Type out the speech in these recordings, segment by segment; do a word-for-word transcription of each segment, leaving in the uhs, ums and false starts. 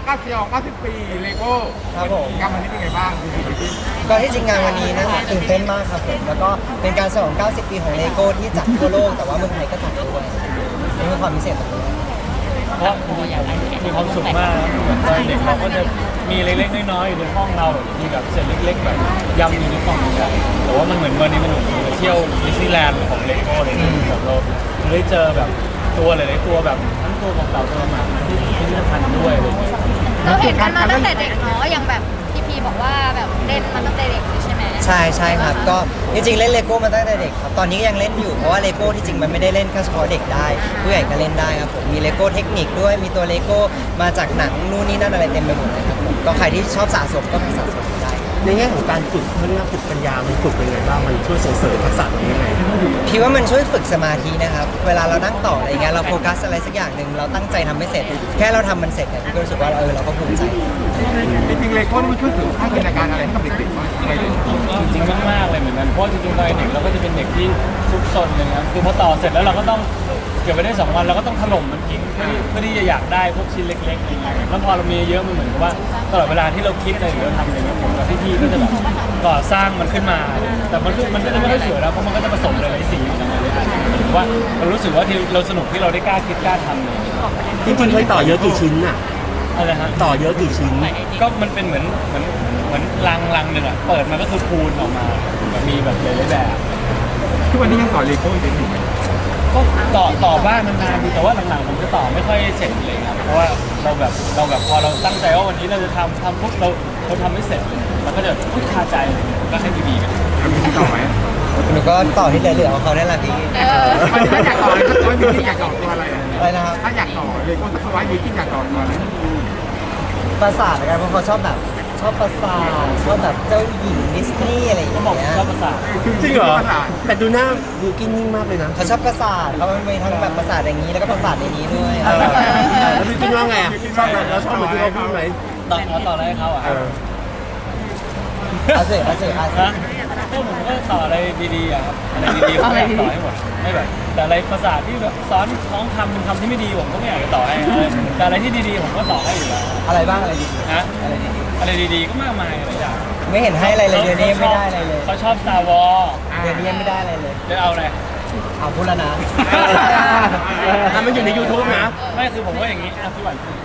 เก้าสิบเก้าสิบปีเลโก้ครับผมงานวันนี้เป็นไงบ้างพี่พี่ก็ที่จริงงานวันนี้นะครับตื่นเต้นมากครับผมแล้วก็เป็นการฉลองเก้าสิบปีของเลโก้ที่จัดทั่วโลกแต่ว่าเมืองไทยก็จัดด้วยนี่คือความพิเศษตรงนี้เพราะมีความสุขมากนะเหมือนตอนเด็กเราก็จะมีเล็กๆน้อยๆอยู่ในห้องเราแบบมีแบบเศษเล็กๆแบบยำอยู่ในกล่องอย่างเงี้ยแต่ว่ามันเหมือนวันนี้มันเหมือนไปเที่ยวดิสนีย์แลนด์ของเลโก้เลยแบบเราได้เจอแบบตัวหลายๆตัวแบบทั้งตัวของเต่าตัวหมาที่พิพิธภัณฑ์ด้วยอะไรอย่างเงี้ยเราเห็นกันมาตั้งแต่เด็กเนาะอย่างแบบพี่พีบอกว่าแบบเล่นมาตั้งแต่เด็กเลยใช่ไหมใช่ใช่ครับก็จริงๆเล่นเลโก้มาตั้งแต่เด็กครับตอนนี้ก็ยังเล่นอยู่เพราะว่าเลโก้ที่จริงมันไม่ได้เล่นแค่เฉพาะเด็กได้ผู้ใหญ่ก็เล่นได้ครับผมมีเลโก้เทคนิคด้วยมีตัวเลโก้มาจากหนังนู่นนี่นั่นอะไรเต็มไปหมดเลยครับผมก็ใครที่ชอบสะสมก็ไปสะสมได้ในแง่ของการฝึกเรื่องฝึกปัญญา มันฝึกเป็นไงบ้าง มันช่วยส่งเสริมทักษะตรงนี้ยังไงพี่ว่ามันช่วยฝึกสมาธินะครับ เวลาเรานั่งต่ออะไรเงี้ยเราโฟกัสอะไรสักอย่างหนึ่งเราตั้งใจทำไม่เสร็จ แค่เราทำมันเสร็จเนี่ยพี่ก็รู้สึกว่าเออเราก็ภูมิใจจริงๆเลโก้นี่มันช่วยเสริมสร้างจินตนาการอะไรให้กับเด็กๆบ้างยังไงเลยจริงๆมากๆเลยเหมือนกันเพราะจริงๆตอนเด็กเราก็จะเป็นเด็กที่ซุกซนเลยนะคือพอต่อเสร็จแล้วเราก็ต้องเก็บไว้ได้สองวันเราก็ต้องถล่มมันทิ้งเพื่อที่เพื่อที่จะอยากได้พวกชิ้นเล็กๆอะไรเงี้ยแล้วพอเรามีเยอะมันเหมือนกับว่าตลอดเวลาที่เราคิดอะไรหรือเราทำอะไรเงี้ยผมกับพี่ๆก็จะแบบก่อสร้างมันขึ้นมา แต่มันก็มันก็จะไม่ค่อยสวยแล้วเพราะมันก็จะผสมหลายๆสีอยู่ในนั้นเลยหมายถึงว่าเรารู้สึกว่าที่เราสนุกที่เราได้กล้าคิดกล้าทำเลยจริงๆเคยต่อเยอะกี่ชิ้นน่ะอะไรฮะต่อเยอะกี่ชิ้นก็มันเป็นเหมือนเหมือนเหมือนลังลังหนึ่งอะเปิดมาก็คือพูนออกมาแบบมีแบบหลายๆแบบทุกวันนี้ยังต่อเลโก้อยู่ไหมก็ต่อต่อบ้างนานๆดีแต่ว่าหลังๆผมจะต่อไม่ค่อยเสร็จเลยครับเพราะว่าเราแบบเราแบบพอเราตั้งใจว่าวันนี้เราจะทำทำปุ๊บเราเราทำไม่เสร็จเราก็จะพุทคาใจเลยก็ให้ดีๆกันทำมีต่อไหมหนูก็ต่อที่เหลือๆของเขาได้แหละพี่เออถ้าอยากต่อเลยก็ตัวมีที่อยากต่อตัวอะไรอะอะไรนะครับถ้าอยากต่อเลโก้สักไว้มีที่อยากต่อตัวอะไรปราสาทกันเพราะเขาชอบแบบชอบปราสาทชอบแบบเจ้าหญิงดิสนีย์อะไรอย่างก็เงี้บอกยชอบภาษาจริงเหรอ แต่ดูหน้าดูกินนิ่งมากเลยนะเขาชอบปราสาทเขามีทั้งแบบปราสาทอย่างนี้แล้วก็ปราสาทในนี้ด้วยเออแล้วดูกินว่าไงอ่ะชอบไหมแล้วชอบเหมือนที่เขาพูดไหมต่อเอาต่ออะไรให้เขาอ่ะเออเอาสิเอาสิเอาสินะก็ผมก็ต่ออะไรดีๆอะครับอะไรดีๆผมอยากต่อให้หมดไม่แบบแต่อะไรภาษาที่แบบสอนน้องทำเป็นคำที่ไม่ดีผมก็ไม่อยากจะต่อให้แต่อะไรที่ดีๆผมก็ต่อให้อยู่แล้วอะไรบ้างอะไรดีนะอะไรดีอะไรดีๆก็มากมายหลายอย่างไม่เห็นให้อะไรเลยเดี๋ยวนี้ไม่ได้อะไรเลยเขาชอบ Star Wars เดี๋ยวนี้ยังไม่ได้อะไรเลยจะเอาอะไรเอาพูดแล้วนะอ่ะมันอยู่ใน YouTube นะไม่คือผมว่าอย่างนี้อ่ะพี่หวานคือ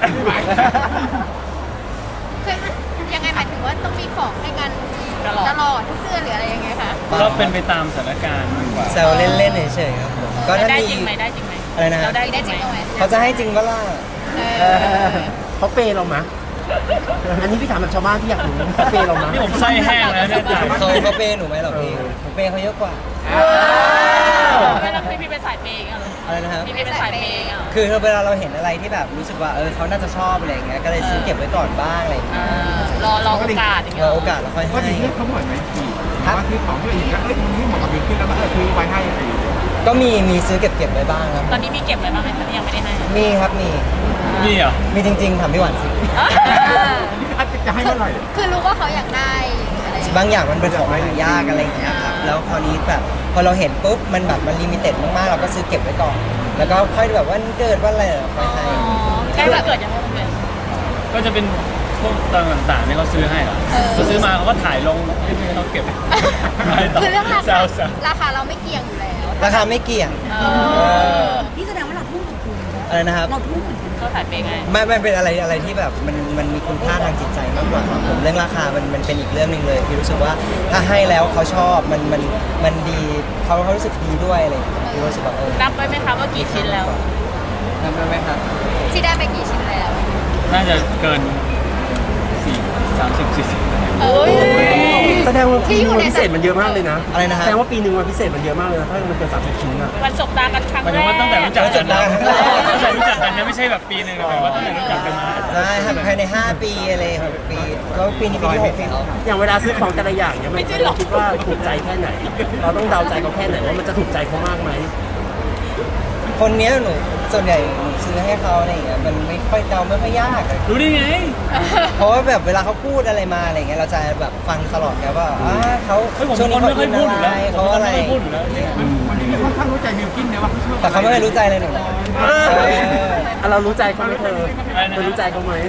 คือยังไงหมายถึงว่าต้องมีของให้กันตลอดทุกเดือนหรืออะไรยังไงคะก็เป็นไปตามสถานการณ์มากกว่าแซวเล่นๆเฉยๆครับผมก็ถ้าได้มีจริงไหมได้จริงไหมอะไรนะเราได้ได้จริงไหมเขาจะให้จริงปะล่ะเออเขาเปย์เรามะอันนี้พี่ถามแบบชาวบ้านที่อยากรู้เขาเปย์เรามะนี่ผมไส้แห้งแล้วเนี่ยจ่ายเขาเขาเปย์หนูไหมหรอพี่ผมเปย์เขาเยอะกว่าแล้วพี่พี่เป็นสายเปย์อย่างเงี้ยเหรออะไรนะครับพี่พี่เป็นสายเปย์อย่างเงี้ยเหรอคือเวลาเราเห็นอะไรที่แบบรู้สึกว่าเออเขาน่าจะชอบอะไรอย่างเงี้ยก็เลยซื้อเก็บไว้ก่อนบ้างอะไรอย่างเงี้ยรอรอโอกาสอย่างเงี้รยอเหรอโอกาสแล้วค่อยก็ให้ดีที่เขาบ่อยไหมพี่ว่าซื้อของที่อื่นก็เอ้ยมันไม่เหมาะกับบิวขึ้นแล้วก็เออซื้อไว้ให้อะไรอย่างเงี้ยก็มีมีซื้อเก็บเก็บไว้บ้างครับตอนนี้มีเก็บไว้บ้างไหมคะที่ยังไม่ได้ให้มีครับมีนี่เหรอมีจริงๆถามพี่หวานสิจะให้เมื่อไหร่คือรู้ว่าเขาอยากได้อะไรอย่างเงี้ยบางอย่างมันเป็นของหายากอะไรอย่างเงี้ยครับแล้วคราวนี้แบบพอเราเห็นปุ๊บมันแบบมันลิมิเต็ดมากๆเราก็ซื้อเก็บไว้ก่อน แล้วก็ค่อยแบบว่าเกิดว่าอะไรเราค่อยให้ใกล้วันเกิดยังไงวันเกิดก็จะเป็นพวกต่างๆที่เขาซื้อให้เหรอเออเขาซื้อมาเขาก็ถ่ายลงให้เขาเก็บไม่ต่คือเรื่องราแซคาวแซวราคาเราไม่เกี่ยงอยู่แล้วราคาไม่เกี่ยงเอเอออนี่แสดงว่าเราทุ่มสุดคุณอะไรนะครับเราทุ่มสุดคุณเขาสายเปย์ไงไม่ไม่เป็นอะไรอะไรที่แบบมันมันมีคุณค่าทางจิตใจมากกว่าครับผมเรื่องราคามันมันเป็นอีกเรื่องหนึ่งเลยพี่รู้สึกว่าถ้าให้แล้วเขาชอบมันมันมันดีเขาเขารู้สึกดีด้วยอะไรอย่างเงี้ยพี่รู้สึกว่าเออนับไว้ไหมคะว่ากี่ชิ้นแล้วนับได้ไหมครับที่ได้ไปกี่ชิ้นแล้วน่าจะเกินสี่สามสิบสี่สิบเอ้ยแสดงว่าที่ปีอนึยู่งในวันพิเศษมันเยอะมากเลยนะอะไรนะฮะแสดงว่าปีหนึ่งวันพิเศษมันเยอะมากเลยนะถ้ามันเกินสามสิบชิ้นอะวันสบตากันครั้งหมายแรถึงกว่าตั้งแต่รู้จักกันนะตั้ตั้งงแต่แต่รู้จักกันนะไม่ใช่แบบปีหนึ่งหมายถึงว่าตั้งแต่รู้จักกันมาใช่ครับภายในห้าปีอะไรหกปีแล้วปีนี้ปีที่หกแล้วอย่างเวลาซื้อของแต่ละอย่างเนี่ยมันเราคิดว่าถูกใจแค่ไหน เราต้องเดาใจเขาแค่ไหนว่ามันจะถูกใจเขามากไหมคนเนี้ยหนูส่วนใหญ่หนูซื้อให้เขาอะไรอย่างเงี้ยมันไม่ค่อยเดาไม่ค่อยยากอะรู้ได้ไงเพราะว่าแบบเวลาเขาพูดอะไรมาอะไรเงี้ยเราจะแบบฟังตลอดไงว่าอ่าเขาเฮ้ยผมช่วงนี้คนเขาไม่ค่อิอยนพูดอะอยู่ไรแล้วเขาอะไรไม่ค่อยพูดอยู่แล้ววันนี้ค่อนข้างรู้ใจบิวกินนะว่าเขาชอบแต่เขาไม่เคยรู้ใจเลยหนูนะเอออ่ะเรารู้ใจเขาไหมเธอเธอรู้ใจเขาไหม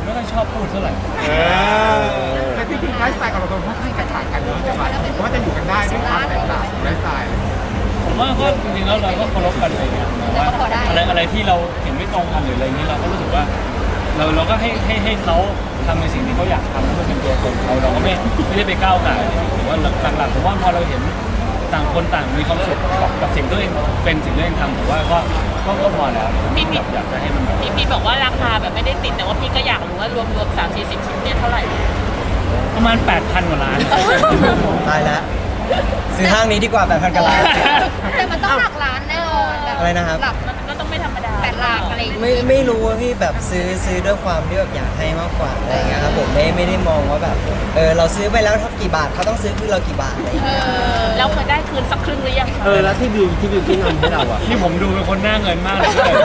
ผมไม่ค่อยชอบพูดเท่าไหร่เออแต่ที่จริงไลฟ์สไตล์ของเราตรงค่อนข้างจะต่างกันเยอะจังหวะเพราะว่าจะอยู่กันได้ด้วยความแตกต่างของไลฟ์สไตล์ผมว่าก็จริงๆแล้วเราก็เคารพกันอะไรเงี้ยแต่ว่าอะไรอะไรที่เราเห็นไม่ตรงกันหรืออะไรเงี้ยเราก็รู้สึกว่า เราเราก็ให้ให้ให้เขาทำในสิ่งที่เขาอยากทำแล้วมันเป็นตัวตนเขาเราก็ไม่ไม่ได้ไปก้าวไก่หรือว่าหลักๆผมว่าพอเราเห็นต่างคนต่างมีความสุขกับกับสิ่งที่ตัวเองเป็นสิ่งที่ตัวเองทำผมว่าก็ก็ก็พอแล้วพี่พี่อยากจะให้มันพี่พีบอกว่าราคาแบบไม่ได้ติดแต่ว่าพี่ก็อยากรู้ว่ารวมรวมสามสี่สิบชิ้นเนี่ยเท่าไหร่ประมาณ แปดพัน กว่าล้านตายแล้วซื้อห้างนี้ดีกว่าแปดพันกว่าล้านแต่มันต้องหลักล้านแน่นอนแบบอะไรนะครับหลักมันก็ต้องไม่ธรรมดาแปดหลักอะไรอย่างเงี้ยไม่ไม่รู้ว่าพี่แบบซื้อซื้อด้วยความที่แบบอยากให้มากกว่าอะไรอย่างเงี้ยครับผมไม่ไม่ได้มองว่าแบบเออเราซื้อไปแล้วเท่ากี่บาทเขาต้องซื้อคือเรากี่บาทอะไรอย่างเอเงี้ยอแล้วเคยได้คืนสักครึ่งหรือยังคะเออแล้วที่บิวที่บิวกินทำให้เราอ่ะนี่ผมดูเป็นคนหน้าเงินมากเลย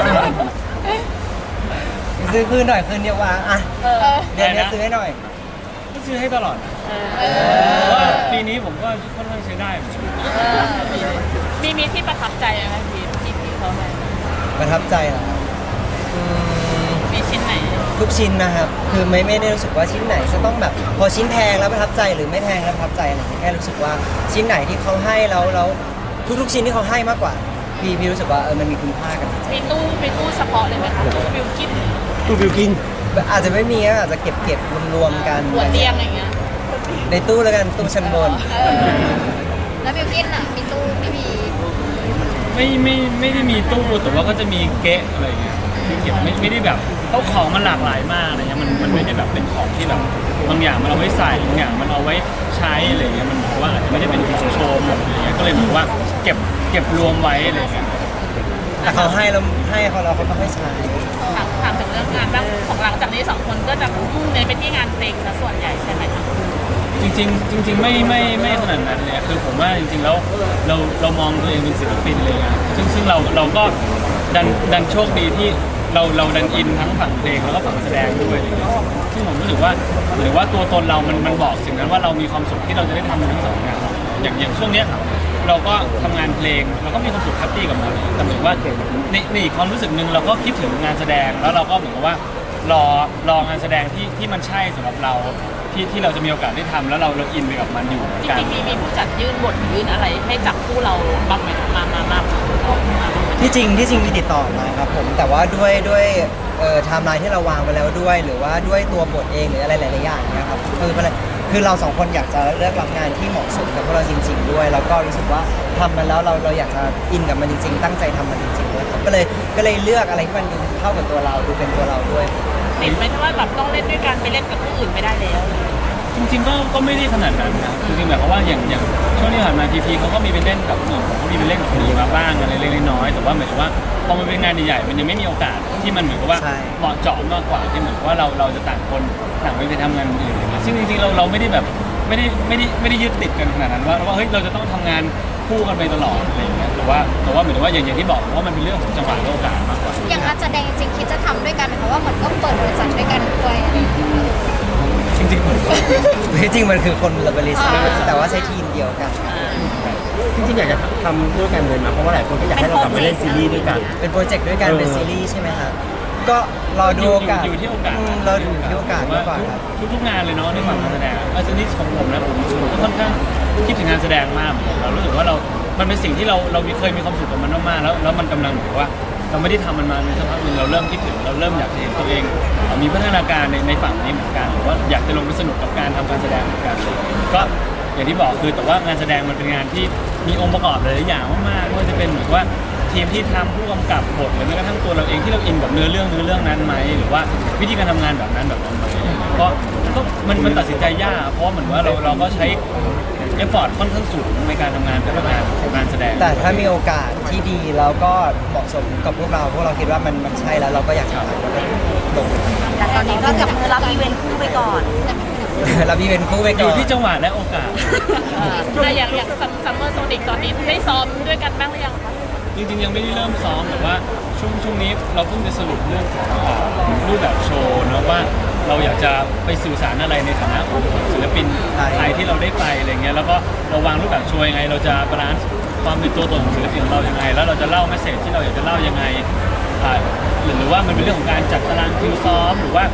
ซื้อคืนหน่อยคืนเดียวว่าอ่ะเออเดือนนี้ซื้อให้หน่อยก็ซื้อให้ตลอดนะเออเพราะว่าปีนี้ผมก็ค่อนข้างใช้ได้เหมือนกันเออมีมีที่ประทับใจไหมพี่พี่พี่เขาไหมประทับใจเหรอครับอืมมีชิ้นไหนทุกชิ้นนะครับ คือไม่ไม่ได้รู้สึกว่าชิ้นไหนจะต้องแบบพอชิ้นแพงแล้วประทับใจหรือไม่แพงแล้วประทับใจอะไรอย่างเงี้ยแค่รู้สึกว่าชิ้นไหนที่เขาให้แล้วแล้วทุกๆชิ้นที่เขาให้มากกว่า พี่พี่รู้สึกว่าเออมันมีคุณค่ากับจิตใจมีตู้มีตู้เฉพาะเลยไหมคะตู้บิวกินตูบิวกินอาจจะไม่มีก็อาจจะเก็บเก็บรวมๆกันหัวเตียงอย่างเงี้ยในตู้แล้วกันตู้ชั้นบนเออแล้วบิวกินอ่ะมีตู้ไม่มีไม่ไม่ไม่ได้มีตู้แต่ว่าก็จะมีเก๊ะอะไรเงี้ยคือเก็บไม่ไม่ได้แบบเขาของมันหลากหลายมากอะไรเงี้ยมันมันไม่ได้แบบเป็นของที่แบบบางอย่างมันเอาไว้ใส่บางอย่างมันเอาไว้ใช้อะไรเงี้ยมันเหมือนว่าอาจจะไม่ได้เป็นของโชว์หมดอะไรเงี้ยก็เลยเหมือนว่าเก็บเก็บรวมไว้อะไรเงี้ยแต่เขาให้แล้วให้เขาเราเขาต้องให้ใช้ถามถามถึงเรื่องงานบ้างของหลังจากนี้สองคนก็จะมุ่งเน้นไปที่งานเพลงซะส่วนใหญ่ใช่ไหมคะจริงๆจริงๆไม่ไม่ไม่ขนาดนั้นเลยคือผมว่าจริงๆแล้วเราเรามองตัวเองเป็นศิลปินเลยนะซึ่งซึ่งเราเราก็ดันดันโชคดีที่เราเราดันอินทั้งฝั่งเพลงแล้วก็ฝั่งแสดงด้วยอะไรเงี้ยซึ่งผมรู้สึกว่าหรือว่าตัวตนเรามันมันบอกสิ่งนั้นว่าเรามีความสุขที่เราจะได้ทำมันทั้งสองงานอย่างอย่างช่วงเนี้ยเราก็ทำงานเพลงเราก็มีความสุขแฮปปี้กับมันแต่เหมือนว่าในในอีกความรู้สึกหนึ่งเราก็คิดถึงงานแสดงแล้วเราก็เหมือนกับว่ารอรองานแสดงที่ที่มันใช่สำหรับเราที่ที่เราจะมีโอกาสได้ทำแล้วเราเราอินไปกับมันอยู่เหมือนจกันริงๆมีมีผู้จัดยื่นบทยื่นอะไรให้จับคู่เราบ้างไหมมามามามาที่จริงที่จริงมีติดต่อมาครับผมแต่ว่าด้วยด้วยเอ่อไทม์ไลน์ที่เราวางไว้แล้วด้วย หรือว่าด้วยตัวบทเองหรืออะไรหลายๆอย่างเนะครับคือมันคือเราสองคนอยากจะเลือกรับงานที่เหมาะสมกับพวกเราจริง ๆ ด้วย แล้วก็รู้สึกว่าทำมันแล้วเราเราอยากจะอินกับมันจริง ๆ ตั้งใจทำมันจริงๆด้วยครับก็เลยก็เลยเลือกอะไรที่มันดูเข้ากับตัวเราดูเป็นตัวเราด้วยติดไหมที่ว่าแบบต้องเล่นด้วยกันไปเล่นกับผู้อื่นไม่ได้แล้วจริงๆก็ก็ไม่ได้ขนาดนั้นนะจริงๆแบบว่าอย่างอย่างช่วงที่ผ่านมาทีพีเขาก็มีไปเล่นกับหนุ่มเขาก็มีไปเล่นกับคนอื่นมาบ้างอะไรเล็กๆน้อยๆแต่ว่าเหมือนกับว่าพอมันเป็นงานใหญ่ๆมันยังไม่มีโอกาสที่มันเหมือนกับว่าใช่เหมาะเจาะมากกว่าที่เหมือนกับว่าเราเราจะต่างคนต่างไปไปทำงานอื่นอะไรเงี้ยซึ่งจริงๆเราเราไม่ได้แบบไม่ได้ไม่ได้ไม่ได้ยึดติดกันขนาดนั้นว่าว่าเฮ้ยเราจะต้องทำงานคู่กันไปตลอดอะไรอย่างเงี้ยแต่ว่าแต่ว่าเหมือนกับว่าอย่างอย่างที่บอกว่ามันเป็นเรื่องของจังหวะและโอกาสมากกว่าอย่างนักแสดงจริงๆคิดจะทำด้วยกันไหมเพราะว่าเหมือนก็เปิดบริษัทด้วยกันด้วยอะไรอย่างเงี้ยจริงๆเหมือนกันที่จริงมันคือคนละบริษัทแต่ว่าใช้ทีมเดียวกันจริงๆอยากจะทำด้วยกันเลยนะเพราะว่าหลายคนก็อยากให้เรากลับมาเล่นซีรีส์ด้วยกันเป็นโปรเจกต์ด้วยกันเออเป็นซีรีส์ใช่ไหมครับก็รอดูโอกาสอยู่ที่โอกาสมเราอยู่ที่โอกาสมากกว่าครับทุกทุกๆงานเลยเนาะในฝั่งการแสดงอาชนิดของผมนะผมผมก็ค่อนข้างคิดถึงงานแสดงมากเหมือนกันเรารู้สึกว่าเรา มันเป็นสิ่งที่เราเราเคยมีความสุขกับมันมากๆแล้วแล้วมันกำลังเหมือนว่า เราไม่ได้ทำมันมาในสักพักหนึ่งเราเริ่มคิดถึงเราเริ่มอยากจะเห็นตัวเองเอ่อมีพัฒนาการในในฝั่งนี้เหมือนกันหรือว่าอยากจะลงไปสนุกกับการทำการแสดงเหมือนกันก็อย่างที่บอกคือแต่ว่างานแสดงมันเป็นงานที่มีองค์ประกอบหลายๆอย่างมากๆไม่ว่าจะเป็นเหมือนว่าทีมที่ทำผู้กำกับบทหรือแม้กระทั่งตัวเราเองที่เราอินกับเนื้อเรื่องเนื้อเรื่องนั้นไหมหรือว่าวิธีการทำงานแบบนั้นแบบนั้นไหมก็ก็มันมันตัดสินใจยากเพราะเหมือนว่าเราเราก็ใช้เอฟฟอร์ตค่อนข้างสูงในการทำงานแต่ละงานของการแสดงแต่ถ้ามีโอกาสที่ดีแล้วก็เหมาะสมกับพวกเรา พวกเราคิดว่ามันมันใช่แล้วเราก็อยากจะทำแล้วก็ลงแต่ตอนนี้ก็จับมือรับอีเวนต์คู่ไปก่อนรับอีเวนต์คู่ไปอก่ยู่อนที่จังหวะและโอกาสอ่ะอย่างอย่างซัมเมอร์โซนิกตอนนี้ได้ซ้อมด้วยกันบ้างหรือยังคะจริงๆยังไม่ได้เริ่มซ้อมแต่ว่าช่วงช่วงนี้เราเพิ่งจะสรุปเรื่องของเอ่อรูปแบบโชว์นะว่าเราอยากจะไปสื่อสารอะไรในฐานะของศิลปินไทยที่เราได้ไปอะไรเงี้ยแล้วก็เราวางรูปแบบโชว์ยังไง เราจะบาลานซ์ความเป็นตัวตนของศิลปินของเรายังไง แล้วเราจะเล่าเมสเซจที่เราอยากจะเล่ายังไงอ่าหรือหรือว่ามันเป็นเรื่องของการจัดตารางคิวซ้อมหรือว่า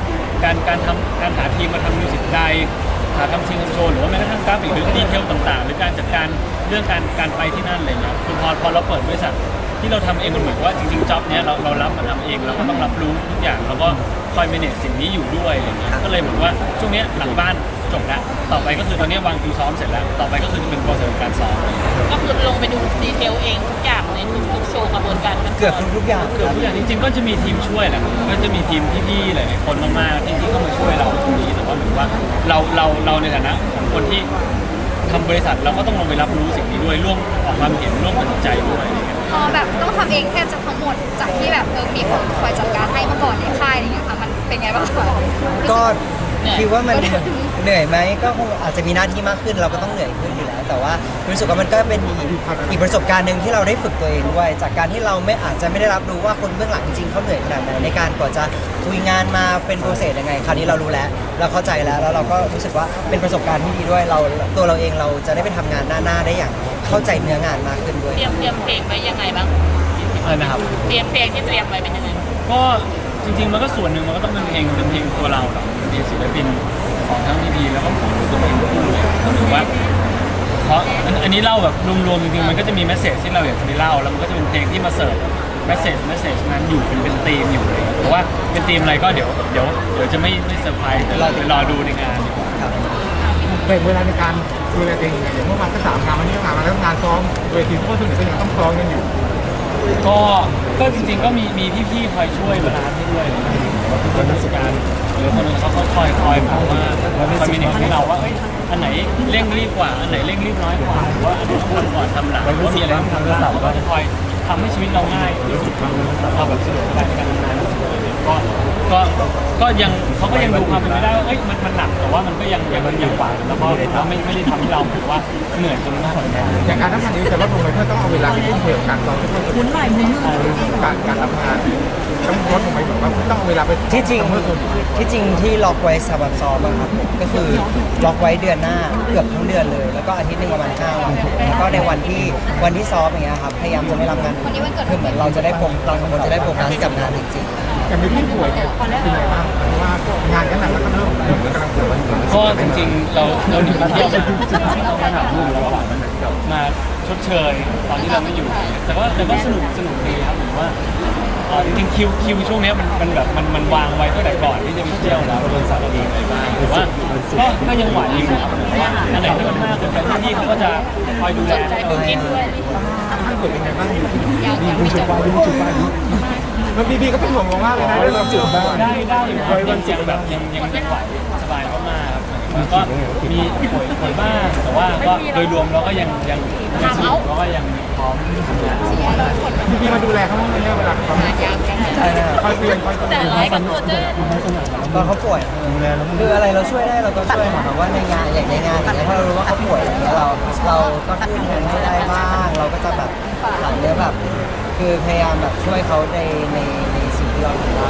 การการทำการหาทีมมาทำมิวสิกไดหาทำซิงเกิลโชว์หรือว่าแม้กระทั่งกราฟิกหรือดีเทลต่างๆหรือการจัดการเรื่องการการไปที่นั่นอะไรเงี้ยคือพอพอเราเปิดบริษัทที่เราทำเองมันเหมือนว่าจริงๆจ็อบเนี้ยเราเรารับมาทำเองเราก็ต้องรับรู้ทุกอย่างแล้วก็คอย manage สิ่งนี้อยู่ด้วยอะไรเงี้ยก็เลยเหมือนว่าช่วงเนี้ยหลังบ้านจบแล้วต่อไปก็คือตอนนี้วางคิวซ้อมเสร็จแล้วต่อไปก็คือจะเป็นโปรเซสการซ้อมก็คือลงไปดูดีเทลเองทุกอย่างในทุกๆโชว์กระบวนการขั้นตนเกือบทุกๆอย่างเกือบทุกอย่างจริงๆก็จะมีทีมช่วยแหละก็จะมีทีมพี่ๆหลายๆคนมากๆที่ที่เข้ามาช่วยเราตรงนี้แต่ว่าเหมือนว่าเราเราเราในฐานะของคนที่ทำบริษัทเราก็ต้องลงไปรับรู้สิ่งนี้ด้วยร่วมออกความเห็นร่วมตัดสินใจด้วยอะไรเงี้ยพอแบบต้องทำเองแทบจะทั้งหมดจากที่แบบเออมีคนคอยจัดการให้เมื่อก่อนในค่ายอะไรอย่างเงี้ยค่ะมันเป็นไงบ้างคะก็คิดว่ามันเหนื่อยไหมก็คงอาจจะมีหน้าที่มากขึ้นเราก็ต้องเหนื่อยขึ้นอยู่แล้ว แต่ว่ารู้สึกว่ามันก็เป็นอีกอีกประสบการณ์หนึ่งที่เราได้ฝึกตัวเองด้วยจากการที่เราไม่อาจจะไม่ได้รับรู้ว่าคนเบื้องหลังจริงๆเขาเหนื่อยขนาดไหนในการกว่าจะคุยงานมาเป็นโปรเซสยังไงคราวนี้เรารู้แล้วเราเข้าใจแล้วแล้วเราก็รู้สึกว่าเป็นประสบการณ์ที่ดีด้วยเราตัวเราเองเราจะได้ไปทำงานหน้าๆได้อย่างเข้าใจเนื้องานมากขึ้นด้วยเตรียมเตรียมเพลงไว้ยังไงบ้างอะไรนะครับเตรียมเพลงที่เตรียมไว้เป็นยังไงก็จริงๆมันก็ส่วนหนึ่งมันก็ต้องเป็นเพลงเป็นเพลงตัวเราหรอกเป็นเพลงศิลปินของทั้งพีพีแล้วก็ของตัวเองคู่เลยหรือว่าเพราะอันอันนี้เล่าแบบรวมๆจริงๆมันก็จะมีแมสเซจที่เราอยากจะไปเล่าแล้วมันก็จะเป็นเพลงที่มาเสิร์ฟแมสเซจแมสเซจนั้นอยู่เป็นเป็นธีมอยู่เลยเพราะว่าเป็นธีมอะไรก็เดี๋ยวเดี๋ยวเดี๋ยวจะไม่ไม่เซอร์ไพรส์เดี๋ยวเราไปรอดูในงานดีกว่าแบ่งเวลาในการดูแลตัวเองยังไงอย่างเมื่อวานก็สามงานวันนี้ก็งานมาแล้วงานซ้อมเวทีทุกคนส่วนใหญ่ก็ยังต้องซ้อมกันอยู่ก็ก็จริงๆก็มีมีพี่ๆคอยช่วยบาลานซ์ให้ด้วยคนราชการหรือคนนึงเขาเขาคอยคอยบอกว่าคอยมีเด็กให้เราว่าเอ้ยอันไหนเร่งรีบกว่าอันไหนเร่งรีบน้อยกว่าหรือว่าอันไหนต้องทำก่อนทำหลังหรือว่ามีอะไรต้องทำบ้างก็จะคอยทำให้ชีวิตเราง่ายรู้สึกเราแบบสะดวกสบายในการทำงานก็ก็ก็ยังเขาก็ยังดูความเป็นไปได้ว่าเอ้ยมันมันหนักแต่ว่ามันก็ยังยังยังกว่าแล้วก็ไม่ไม่ได้ทำให้เราถือว่าเหนื่อยจนต้องทนอย่างการทำงานนี้จะลดลงไปเพื่อต้องเอาเวลาไปทุ่มเทกับการซ้อมทุกคนหมุนหน่อยหมุนการการทำงานต้องลดลงไปแบบว่าต้องเอาเวลาไปที่จริงเมื่อตัวที่จริงที่ล็อกไว้สำหรับซ้อมอะครับผมก็คือล็อกไว้เดือนหน้าเกือบทั้งเดือนเลย แล้วก็อาทิตย์หนึงประมาณห้าวันแล้วก็ในวันที่วันที่ซ้อมอย่างเงี้ยครับพยายามจะไม่รับงานคือเหมือนเราจะได้โฟกัสเราสองคนจะได้โฟกัสกับงานจริงๆอย่างมีพี่ป่วยเนี่ยเป็นไงบ้างเพราะว่างานกันหนักแล้วก็เริ่มเริ่มกำลังป่วยก็จริงๆเราเราหนีไปเที่ยวมาต้องมาหาลูกแล้วมาชดเชยตอนที่เราไม่อยู่ แต่ว่าแต่ก็สนุกสนุกดีครับผมว่าเอ่อจริงๆคิวคิวช่วงเนี้ยมันมันแบบมันมันวางไว้ตั้งแต่ก่อนที่จะไปเที่ยวแล้วบริษัทเราเองอะไรบ้างแต่ว่าก็ก็ยังไหวอยู่ครับเพราะว่าอันไหนที่มันมากเกินไปพี่ๆเขาก็จะคอยดูแลใจบุญกินด้วยให้ป่วยเป็นไงบ้างอยู่ดีคุณจุดบ้าคุณจุดบ้ามันพี่ๆก็เป็นห่วงมากเลยนะเรื่องจุดบ้าได้ได้อยู่ครับยังยังแบบยังยังยังไหวสบายมากๆครับแล้วก็มีป่วยป่วยบ้างแต่ว่าก็โดยรวมเราก็ยังยังยังสนุกแล้วก็ยังพร้อมทำงานพี่ๆมาดูแลเขาบ้างไหมเนี่ยเวลาเขาใช่นะครับคอยเตือนคอยเตือนแต่ร้ายกับตัวเจ้ตอนเขาป่วยคืออะไรเราช่วยได้เราก็ช่วยหมายความว่าในงานอย่างในงานอย่างเงี้ยถ้าเรารู้ว่าเขาป่วยอย่างเงี้ยเราเราก็ช่วยแทนให้ได้บ้างเราก็จะแบบหลังเนี้ยแบบคือพยายามแบบช่วยเขาในในในสิ่งที่เราทำได้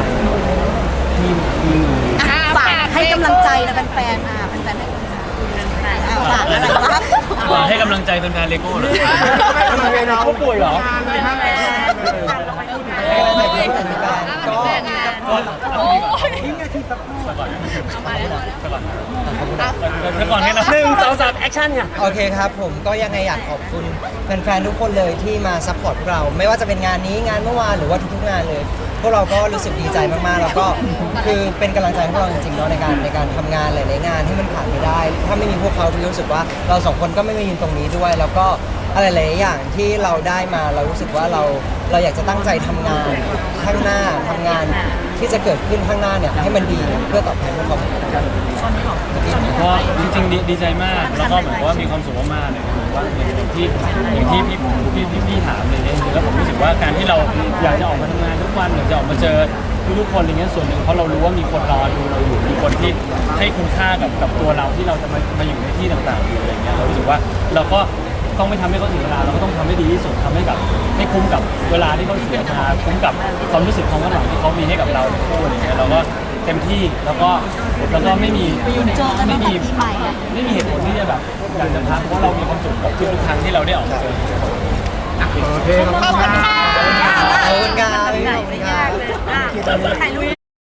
ฝากให้กำลังใจนะแฟนๆอ่ะแฟนๆให้กำลังใจอ่ะฝากอะไรบ้างหวังให้กำลังใจแฟนๆเลโก้เลยเขาป่วยเหรอเลยฮะให้กำลังใจทุกคนในการก็โอ้ยแล้วก่อนนี้นะหนึ่งสองสามแอคชั่นไงโอเคครับผมก็ยังไงอยากขอบคุณแฟนๆทุกคนเลยที่มาซัพพอร์ตพวกเรา ไม่ว่าจะเป็นงานนี้งานเมื่อวานหรือว่าทุกๆงานเลย พวกเราก็รู้สึกดีใจมากๆ แล้วก็คือเป็นกำลังใจให้พวกเราจริงๆเนาะในการในการทำงานหลายๆงานที่มันผ่านไปได้ ถ้าไม่มีพวกเขาพี่รู้สึกว่าเราสองคนก็ไม่มายืนตรงนี้ด้วย แล้วก็อะไรหลายๆอย่างที่เราได้มาเรารู้สึกว่าเราเราอยากจะตั้งใจทำงานข้างหน้าทำงานที่จะเกิดขึ้นข้างหน้าเนี่ยให้มันดีเพื่อตอบแทนพวกเขาก็จริงๆดีดีใจมากแล้วก็เหมือนว่ามีความสุขมากๆเลยเหมือนว่าอย่างที่อย่างที่พี่พี่พี่พี่ถามเลยเนี่ยแล้วผมรู้สึกว่าการที่เราอยากจะออกมาทำงานทุกวันอยากจะออกมาเจอทุกๆคนอะไรเงี้ยส่วนหนึ่งเพราะเรารู้ว่ามีคนรอดูเราอยู่มีคนที่ให้คุณค่ากับกับตัวเราที่เราจะมามาอยู่ในที่ต่างๆอยู่อะไรเงี้ยเรารู้สึกว่าเราก็ต้องไม่ทำให้เขาเสียเวลาเราก็ต้องทำให้ดีที่สุดทำให้กับให้คุ้มกับเวลาที่เขาเสียมาคุ้มกับความรู้สึกความหวังที่เขามีให้กับเราในคู่อะไรเงี้ยเราก็เต็มที่แล้วก็แล้วก็ไม่มีเจอกันตั้ไม่งแต่มีปีใหม่อ่ะไม่มีเหตุผลที่จะแบบอยากจะพักเพราะเรามีความสุขกับทุกๆครั้งที่เราได้ออกมาเจอโอเคขอบขอบคุคุณ ณคค่ะรับขอบคุณครับขอบคุณครับถ่ายรูป